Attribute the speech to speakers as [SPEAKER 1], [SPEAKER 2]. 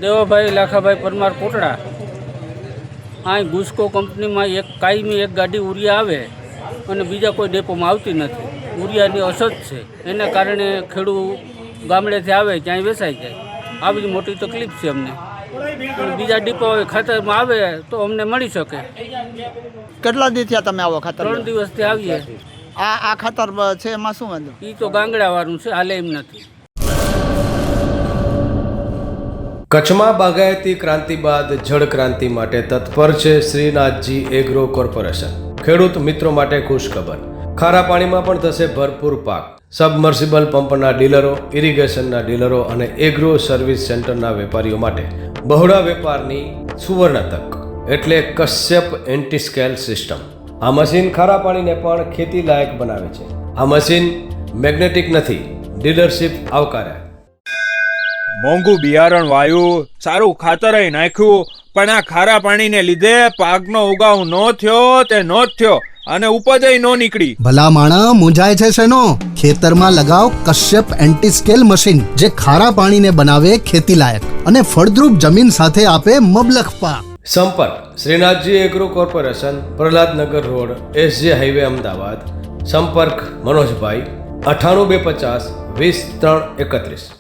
[SPEAKER 1] દેવાભાઈ લાખાભાઈ પરમાર કોટડા. અહીં ગુસ્કો કંપનીમાં એક કાયમી એક ગાડી ઉરિયા આવે અને બીજા કોઈ ડેપોમાં આવતી નથી. ઉરિયાની અછત છે, એને કારણે ખેડૂત ગામડેથી આવે ક્યાંય વેચાઈ જાય. આ બધી મોટી તકલીફ છે અમને. બીજા ડીપો ખાતરમાં આવે તો અમને મળી શકે.
[SPEAKER 2] કેટલા દી થયા તમે આવો ખાતર?
[SPEAKER 1] 3 દિવસથી આવીએ.
[SPEAKER 2] આ ખાતર છે એમાં શું વાંધો?
[SPEAKER 1] એ તો ગાંગડાવાળું છે, હાલે એમ નથી.
[SPEAKER 3] કચ્છમાં બાગાયતી ક્રાંતિ બાદ જળ ક્રાંતિ માટે તત્પર છે શ્રીનાથજી એગ્રો કોર્પોરેશન. ખેડૂત મિત્રો માટે ખુશખબર, ખારા પાણીમાં પણ થશે ભરપૂર પાક. સબમર્સિબલ પંપના ડીલરો, ઇરિગેશનના ડીલરો અને એગ્રો સર્વિસ સેન્ટરના વેપારીઓ માટે બહોળા વેપારની સુવર્ણ તક એટલે કશ્યપ એન્ટીસ્કેલ સિસ્ટમ. આ મશીન ખારા પાણીને પણ ખેતી લાયક બનાવે છે. આ મશીન મેગ્નેટિક નથી, ડીલરશીપ આવકારે.
[SPEAKER 4] મોંઘું બિયારણ વાયું, સારું ખાતર નાખ્યું, પણ આ ખારા પાણીને લીધે પાકનો ઉગાવ નો થયો તે નો જ થયો અને ઉપજ નો નીકળી.
[SPEAKER 5] ભલા માણા મૂંઝાય છે શેનો? ખેતરમાં લગાવ કશ્યપ એન્ટીસ્કેલ મશીન, જે ખારા પાણીને બનાવે ખેતી લાયક અને ફળદ્રુપ જમીન સાથે આપે મબલખ પાક.
[SPEAKER 3] સંપર્ક Shrinathji agro corporation, Prahladnagar road, SJ highway, Ahmedabad. સંપર્ક મનોજભાઈ 98 250 20 3 31.